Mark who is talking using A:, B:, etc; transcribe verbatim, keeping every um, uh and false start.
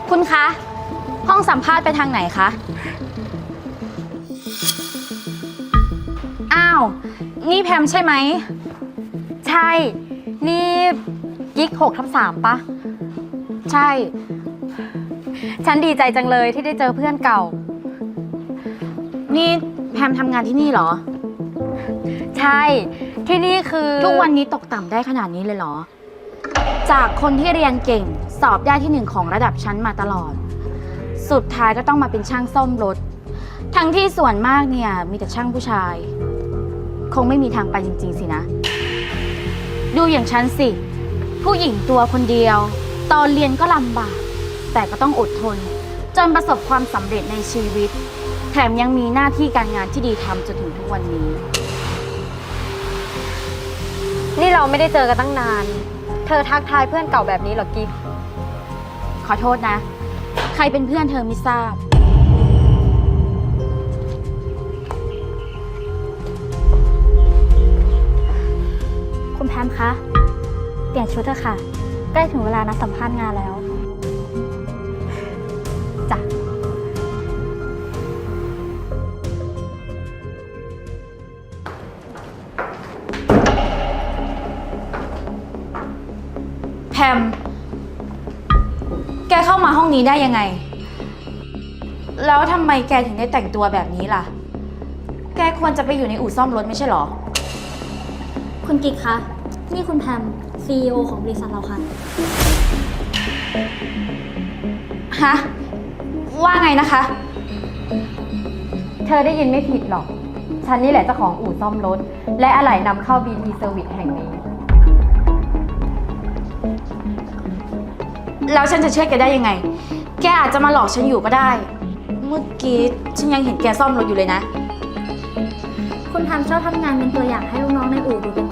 A: คุณคะ ห้องสัมภาษณ์ไปทางไหนคะ อ้าว นี่แพมใช่ไหม
B: ใช่ นี่กิ๊กหกทับสามปะ
A: ใช่
B: ฉันดีใจจังเลยที่ได้เจอเพื่อนเก่า
A: นี่แพมทำงานที่นี่เหรอ
B: ใช่ ที่นี่คือ
A: ทุกวันนี้ตกต่ำได้ขนาดนี้เลยเหรอ จากคนที่เรียนเก่งสอบได้ที่หนึ่งของระดับชั้นมาตลอด สุดท้ายก็ต้องมาเป็นช่างซ่อมรถ ทั้งที่ส่วนมากเนี่ยมีแต่ช่างผู้ชาย คงไม่มีทางไปจริงๆสินะ ดูอย่างฉันสิ ผู้หญิงตัวคนเดียว ตอนเรียนก็ลำบาก แต่ก็ต้องอดทน จนประสบความสำเร็จในชีวิต แถมยังมีหน้าที่การงานที่ดีทำจนถึงทุกวันนี้
B: นี่เราไม่ได้เจอกันตั้งนาน เธอทักทายเพื่อนเก่าแบบนี้เหรอกิ๊ก
A: ขอโทษนะ ใครเป็นเพื่อนเธอไม่ทราบ
C: คุณแพมคะ เปลี่ยนชุดเถอะค่ะ ใกล้ถึงเวลานัดสัมภาษณ์งานแล้ว
B: จ้ะ
A: แพม แกเข้ามาห้องนี้ได้ยังไง แล้วทำไมแกถึงได้แต่งตัวแบบนี้ล่ะ แกควรจะไปอยู่ในอู่ซ่อมรถไม่ใช่เหรอ
C: คุณกิ๊กคะ นี่คุณแพม ซี อี โอ ของบริษัทเราค่ะ
A: ฮะ ว่าไงนะคะ
B: เธอได้ยินไม่ผิดหรอก ฉันนี่แหละเจ้าของอู่ซ่อมรถ และอะไหล่นำเข้า บี ที Service แห่งนี้
A: แล้วฉันจะเชื่อแกได้ยังไง แกอาจจะมาหลอกฉันอยู่ก็ได้ เมื่อกี้ฉันยังเห็นแกซ่อมรถอยู่เลยนะ
C: คุณแพมชอบทำงานเป็นตัวอย่างให้ลูกน้องในอู่ดูเป็น